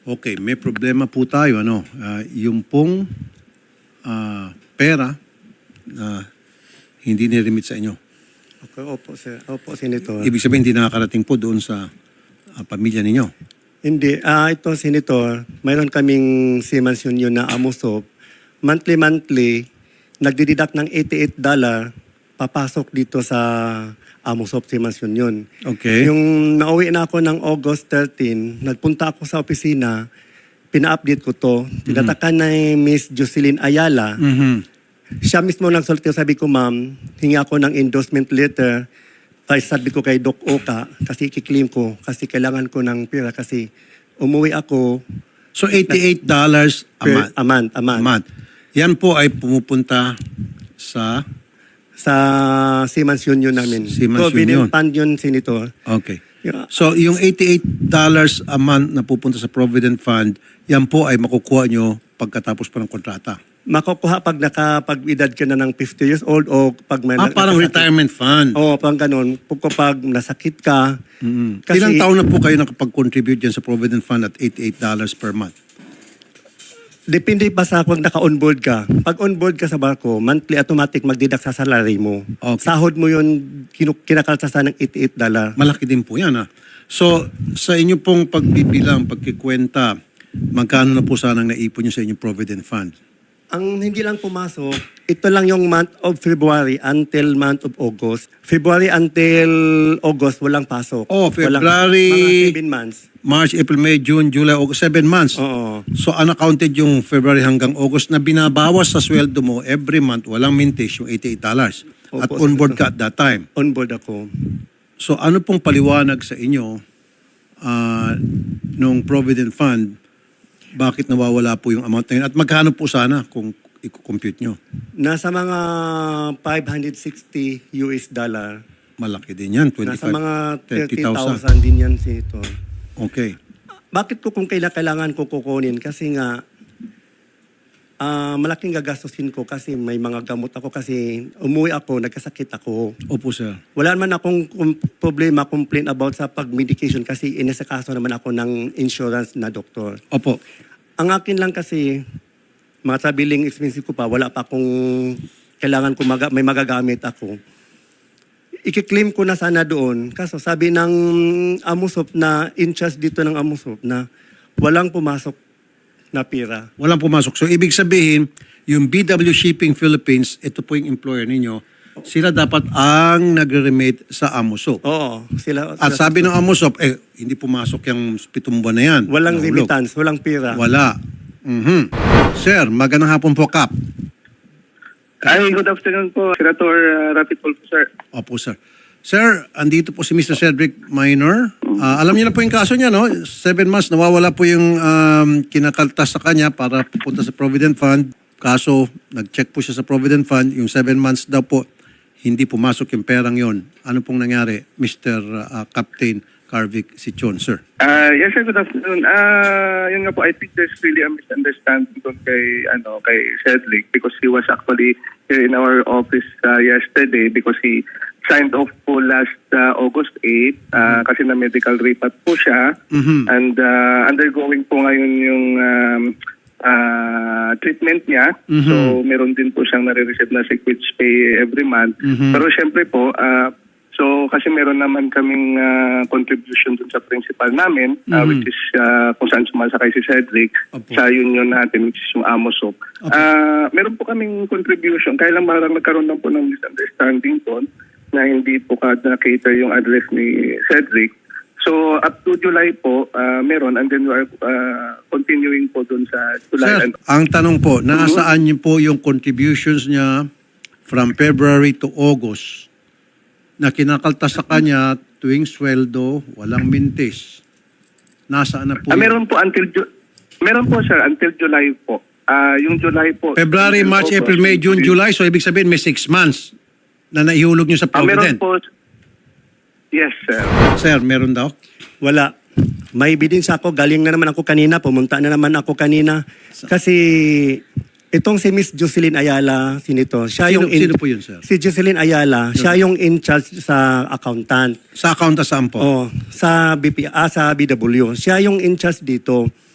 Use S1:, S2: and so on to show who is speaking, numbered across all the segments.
S1: Okay, may problema po tayo. Yung pong pera na hindi niremit sa inyo.
S2: Okay, opo, sir. Opo, Senator.
S1: Ibig sabihin, hindi nakakarating po doon sa pamilya ninyo.
S2: Hindi. Ito, Senator, mayroon kaming Siemens Union na Amusop. Monthly, nagdididak ng $88 papasok dito sa Amusop Siemens Union.
S1: Okay.
S2: Yung nauwi na ako ng August 13, nagpunta ako sa opisina, pina-update ko to. Tinatakan na ni Miss Jocelyn Ayala. Siya mismo nagsulti, sabi ko, ma'am, hingi ako ng endorsement letter. Sabi ko kay Doc Oka, kasi kiklaim ko, kasi kailangan ko ng pera, kasi umuwi ako.
S1: So $88 a month.
S2: A month.
S1: Yan po ay pumupunta sa
S2: Siemens Union namin.
S1: Siemens
S2: Provident
S1: Union.
S2: Fund yun, Senator.
S1: Okay.
S2: Yeah.
S1: So yung $88 a month na pupunta sa Provident Fund, yan po ay makukuha nyo pagkatapos pa ng kontrata.
S2: Makukuha pag nakapag-edad ka na ng 50 years old o pag may...
S1: Parang retirement fund.
S2: Oo, parang ganun. Pag nasakit ka. Kasi,
S1: Ilang taon na po kayo nakapag-contribute dyan sa Provident Fund at $88 per month?
S2: Depende pa sa pag naka-onboard ka. Pag onboard ka sa barko, monthly automatic magdidak sa salary mo.
S1: Okay.
S2: Sahod mo yun, kinakaltasan ng $88.
S1: Malaki din po yan. So sa inyo pong pagbibilang, pagkikwenta, magkano na po sanang naipon nyo sa inyong Provident Fund?
S2: Ang hindi lang pumasok, ito lang yung month of February until month of August. February until August, walang pasok.
S1: February,
S2: mga 7 months.
S1: March, April, May, June, July, August, 7 months.
S2: Oo.
S1: So unaccounted yung February hanggang August na binabawas sa sweldo mo every month, walang mintage yung $88. At
S2: Opo,
S1: on board ka at that time.
S2: On-board ako.
S1: So ano pong paliwanag sa inyo nung Provident Fund, bakit nawawala po yung amount na yun? At magkano po sana kung i-compute nyo?
S2: Nasa mga $560 US.
S1: Malaki din yan, 25,
S2: Nasa mga
S1: 30,000.
S2: 30,000 din yan, Senator.
S1: Okay.
S2: Bakit ko kung kailangan ko kukunin? Kasi nga, malaking gagastusin ko kasi may mga gamot ako kasi umuwi ako, nagkasakit ako.
S1: Opo, sir.
S2: Wala naman akong problema, complaint about sa pag-medication kasi inisakaso naman ako ng insurance na doktor.
S1: Opo.
S2: Ang akin lang kasi, mga traveling expenses ko pa, wala pa akong kailangan ko may magagamit ako. Ikiklaim ko na sana doon. Kaso sabi ng Amusop na in charge dito ng Amusop na walang pumasok na pera.
S1: Walang pumasok. So ibig sabihin, yung BW Shipping Philippines, ito po yung employer ninyo, sila dapat ang nagre-remit sa Amusop.
S2: Oo.
S1: At sabi ng Amusop, hindi pumasok yung 7 buwan na yan.
S2: Walang
S1: Nahulog.
S2: remittance, walang pera.
S1: Wala. Sir, magandang hapon po, Kap.
S3: Ay, good afternoon po, Senator Rafi Tulfo, sir.
S1: Opo, sir. Sir, andito po si Mr. Cedric Minor. Alam niyo na po yung kaso niya, no? 7 months, nawawala po yung kinakaltas sa kanya para pupunta sa Provident Fund. Kaso, nag-check po siya sa Provident Fund. Yung 7 months daw po, hindi pumasok yung perang yon. Ano pong nangyari, Mr. Captain Carvic Sichon, sir?
S3: Yes, sir, good afternoon. Yun nga po, I think there's really a misunderstanding doon kay Cedric because he was actually here in our office yesterday because he signed off po last August 8 kasi na medical repat po siya and undergoing po ngayon yung treatment niya. So meron din po siyang nare-receive na sick which pay every month. Pero syempre po, so kasi meron naman kaming contribution dun sa principal namin which is kung saan sumasakay si Cedric sa union natin which is yung Amusop. Meron po kaming contribution kaya lang parang nagkaroon lang po ng misunderstanding doon na hindi po na-cater yung address ni Cedric. So up to July po meron and then we are continuing po doon sa July.
S1: Sir, ang tanong po, nasaan niyo po yung contributions niya from February to August na kinakaltas sa kanya tuwing sweldo, walang mintis? Nasaan na po?
S3: Meron po meron po sir until July po. Yung July po.
S1: February, March, April, May, June, July. So ibig sabihin may 6 months na naihulog niyo sa Provident.
S3: Meron po. Yes, sir.
S1: Sir, meron daw?
S2: Wala. May ebidensya ako. Galing na naman ako kanina. Pumunta na naman ako kanina. Kasi itong si Miss Jocelyn Ayala, Senator, siya
S1: Sino po yun, sir?
S2: Si Jocelyn Ayala, siya yung in charge sa accountant.
S1: Sa accountant saan po?
S2: Oh, sa BW. Siya yung in charge dito.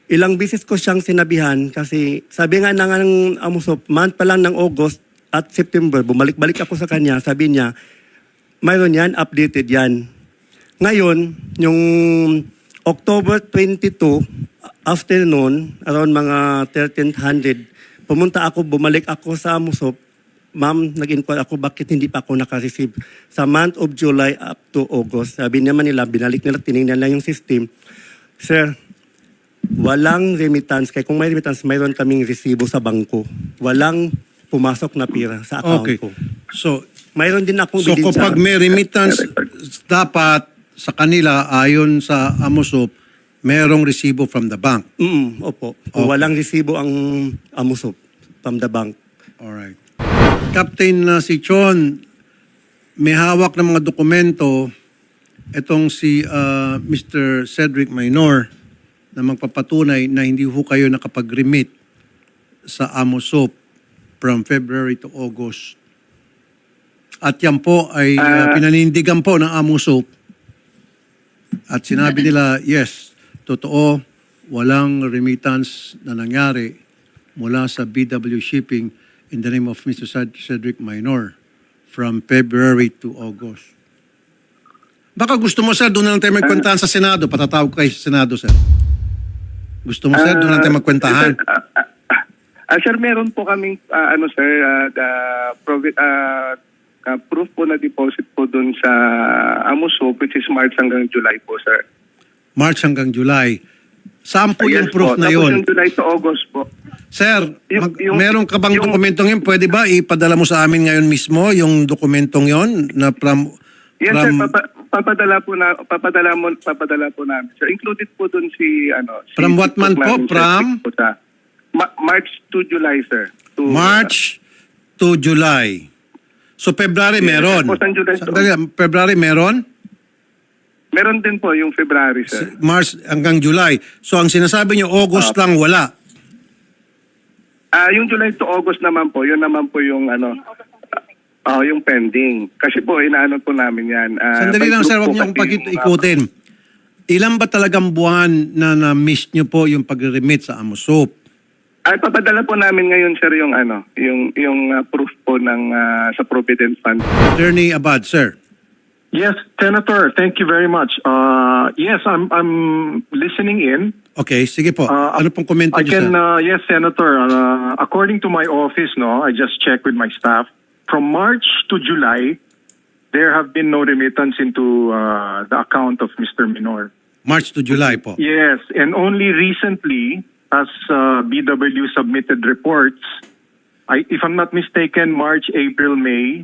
S2: Ilang bisis ko siyang sinabihan kasi sabi nga ng Amusop, month pa lang ng August at September, bumalik-balik ako sa kanya, sabi niya, mayroon yan, updated yan. Ngayon, yung October 22, afternoon, around mga 1300, bumalik ako sa Amusop, ma'am, nag-inquire ako bakit hindi pa ako naka-receive sa month of July up to August. Sabi naman nila, binalik nila, tinignan nila yung system. Sir, walang remittance. Kaya kung may remittance, mayroon kaming resibo sa bangko. Walang pumasok na pira sa account
S1: Okay.
S2: ko.
S1: So,
S2: Mayroon din akong
S1: so
S2: bilin
S1: kapag may remittance, dapat sa kanila, ayon sa Amusop, merong resibo from the bank.
S2: Opo. Kung walang resibo ang Amusop from the bank.
S1: Alright. Captain si Chon, may hawak ng mga dokumento itong si Mr. Cedric Minor na magpapatunay na hindi ho kayo nakapag-remit sa Amusop from February to August. At yan po ay pinanindigan po ng Amusop. At sinabi nila, yes, totoo, walang remittance na nangyari mula sa BW Shipping in the name of Mr. Cedric Minor from February to August. Baka gusto mo, sir, doon na lang tayo magkwentahan sa Senado. Patatawag kayo sa Senado, sir. Gusto mo, sir, doon na lang tayo magkwentahan.
S3: Sir, meron po kaming proof po na deposit po dun sa Amusop, which is March hanggang July po, sir.
S1: March hanggang July. Saan po yung
S3: Yes
S1: proof
S3: po.
S1: na
S3: Tapos
S1: yun?
S3: yung July to August po.
S1: Sir,
S3: Yung-
S1: meron ka bang
S3: yung-
S1: dokumentong yun? Pwede ba ipadala mo sa amin ngayon mismo yung dokumentong yun na from...
S3: Yes, sir. Papadala po namin, sir. Included po dun si
S1: From what month po?
S3: namin, sir,
S1: From?
S3: po sa March to July, sir.
S1: March to July. So February meron.
S3: Tapos ang July to-
S1: Sandali, February meron?
S3: Meron din po yung February, sir.
S1: March hanggang July. So ang sinasabi niyo August lang wala.
S3: Yung July to August naman po, yun naman po yung yung pending. Kasi po, inaano po namin yan.
S1: Sandali
S3: by
S1: lang,
S3: group
S1: sir, huwag
S3: po
S1: niyo akong
S3: kasi yung,
S1: ikutin. Ilan ba talagang buwan na na-miss niyo po yung pag-remit sa Amusop?
S3: papadala po namin ngayon, sir, yung proof po ng sa Provident Fund.
S1: Attorney Abad, sir.
S4: Yes, Senator, thank you very much. Yes, I'm listening in.
S1: Okay, sige po. Ano pong komento
S4: I
S1: niyo,
S4: can,
S1: sir?
S4: yes, Senator. According to my office, I just checked with my staff. From March to July, there have been no remittance into the account of Mr. Minor.
S1: March to July po.
S4: Yes, and only recently, as BW submitted reports, if I'm not mistaken, March, April, May,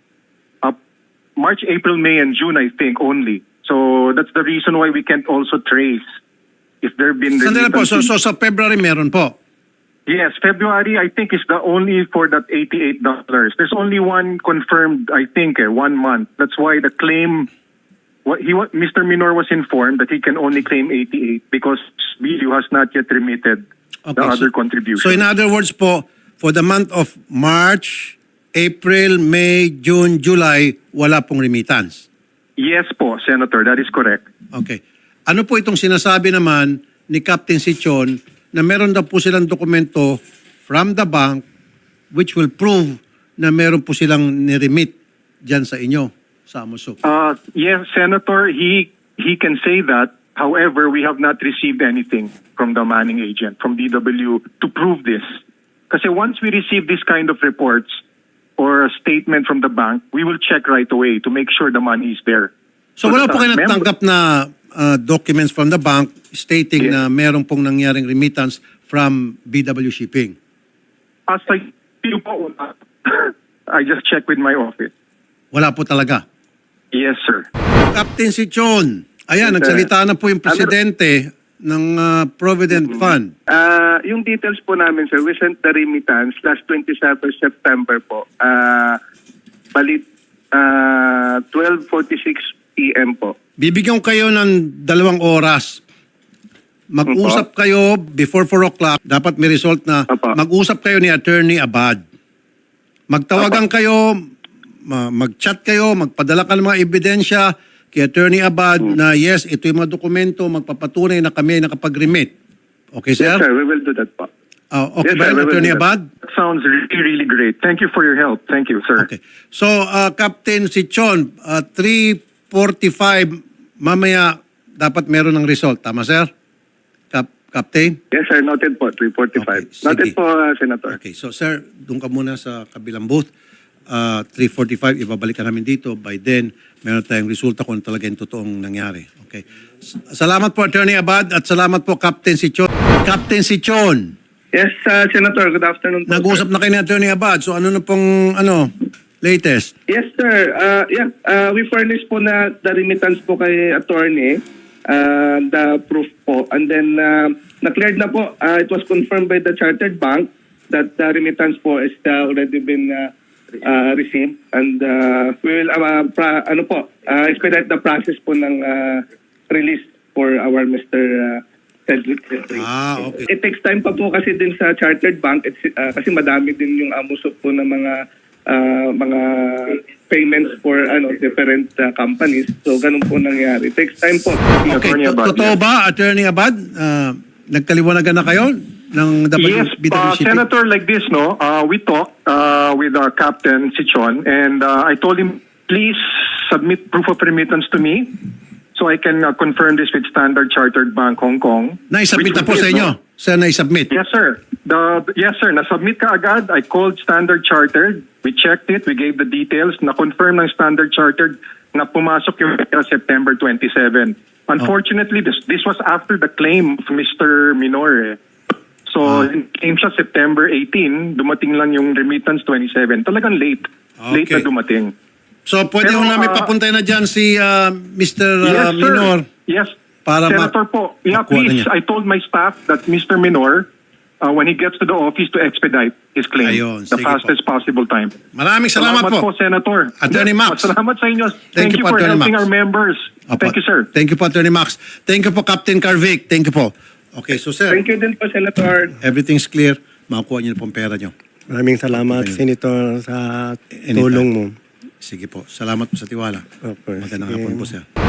S4: and June, I think, only. So that's the reason why we can't also trace if there have been
S1: Sandali po. So
S4: remittances.
S1: sa February meron po.
S4: Yes, February, I think, is the only for that $88. There's only one confirmed, I think, 1 month. That's why the claim, Mr. Minor was informed that he can only claim 88 because BU has not yet remitted the other contributions.
S1: So in other words po, for the month of March, April, May, June, July, wala pong remittance.
S4: Yes po, Senator, that is correct.
S1: Okay. Ano po itong sinasabi naman ni Captain Sichon na meron daw po silang dokumento from the bank which will prove na meron po silang niremit dyan sa inyo, sa Amusop?
S4: Yes, Senator, he can say that. However, we have not received anything from the manning agent, from DW, to prove this. Kasi once we receive this kind of reports or a statement from the bank, we will check right away to make sure the money is there.
S1: So wala po kayo
S4: Mem-
S1: natanggap na documents from the bank stating na meron pong nangyaring remittance from BW Shipping?
S4: As I feel po, I just checked with my office.
S1: Wala po talaga.
S4: Yes, sir.
S1: Captain Sichon, ayan,
S3: Yes,
S1: nagsalita na po yung presidente ng Provident Fund.
S3: Yung details po namin, sir, we sent the remittance last 27 September po. Balit 12:46 p.m. po.
S1: Bibigyan ko kayo ng 2 oras. Mag-usap kayo before 4 o'clock. Dapat may result na
S3: Opo.
S1: mag-usap kayo ni Attorney Abad. Magtawagan kayo, mag-chat kayo, magpadala ka ng mga ebidensya kay Attorney Abad na yes, ito yung mga dokumento, magpapatunay na kami nakapag-remit. Okay, sir?
S3: Yes, sir. We will do that po.
S1: Okay
S3: Yes,
S1: ba
S3: sir,
S1: yun,
S3: we will
S1: Attorney
S3: do that.
S1: Abad?
S4: That sounds really, really great. Thank you for your help. Thank you, sir.
S1: Okay. So, Captain Sichon, 3:45, mamaya dapat meron ng result. Tama, sir? Captain?
S3: Yes, sir. Noted po. 3:45.
S1: Okay, sige.
S3: Noted po, Senator.
S1: Okay. So, sir, doon ka muna sa kabilang booth. 3:45, ibabalik ka namin dito. By then, meron tayong resulta kung ano talaga yung totoong nangyari. Okay. Salamat po, Attorney Abad, at salamat po, Captain Sichon. Captain Sichon,
S3: Yes, Senator. Good afternoon po.
S1: nag-usap na kayo ni Attorney Abad. So, ano na pong, latest?
S3: Yes, sir. We furnished po na the remittance po kay attorney, the proof po. And then, na-cleared na po. It was confirmed by the Chartered Bank that the remittance po is already been received. And we will expedite the process po ng release for our Mr. Cedric.
S1: Okay.
S3: It takes time pa po kasi din sa Chartered Bank kasi madami din yung amusok po ng mga payments for different companies. So ganun po nangyari. It takes time po.
S1: Okay,
S4: Attorney Abad,
S1: totoo
S4: yes.
S1: ba, Attorney Abad? Nagkaliwanagan na kayo ng
S4: Yes,
S1: WCT?
S4: Senator, like this, no? We talked with Captain Sichon, and I told him, please submit proof of remittance to me so I can confirm this with Standard Chartered Bank Hong Kong.
S1: Naisubmit
S4: Which
S1: na po
S4: we
S1: sa
S4: did,
S1: inyo?
S4: no?
S1: Sir, naisubmit?
S4: Yes, sir. Yes, sir. Nasubmit ka agad. I called Standard Chartered. We checked it. We gave the details. Na-confirm ng Standard Chartered na pumasok yung pera September 27. Unfortunately, this was after the claim of Mr. Minor. So, came siya September 18. Dumating lang yung remittance 27. Talagang late. Late
S1: Okay.
S4: na dumating.
S1: So, pwede
S4: Pero,
S1: ho namin papuntay na dyan si Mr.
S4: Yes, sir.
S1: Minor.
S4: Yes.
S1: Para
S4: Senator po, yeah,
S1: makuha na
S4: please,
S1: niya.
S4: I told my staff that Mr. Minor, when he gets to the office, to expedite his claim
S1: Ayun,
S4: the
S1: sige
S4: fastest possible time.
S1: Maraming salamat po.
S4: Senator.
S1: Attorney Max.
S4: Salamat sa inyo.
S1: Thank
S4: Thank
S1: you
S4: you
S1: po,
S4: for
S1: Attorney
S4: helping
S1: Max.
S4: our members.
S1: Opo.
S4: Thank you, sir.
S1: Thank you po, Attorney Max. Thank you po, Captain Carvic. Thank you po. Okay, so sir,
S3: Thank you din po, Senator.
S1: everything's clear. Makukuha niyo na pong pera niyo.
S2: Maraming salamat, Senator, sa
S1: Anytime.
S2: tulong mo.
S1: Sige po. Salamat po sa tiwala.
S2: Okay,
S1: Magandang
S2: sige.
S1: hapon po, sir.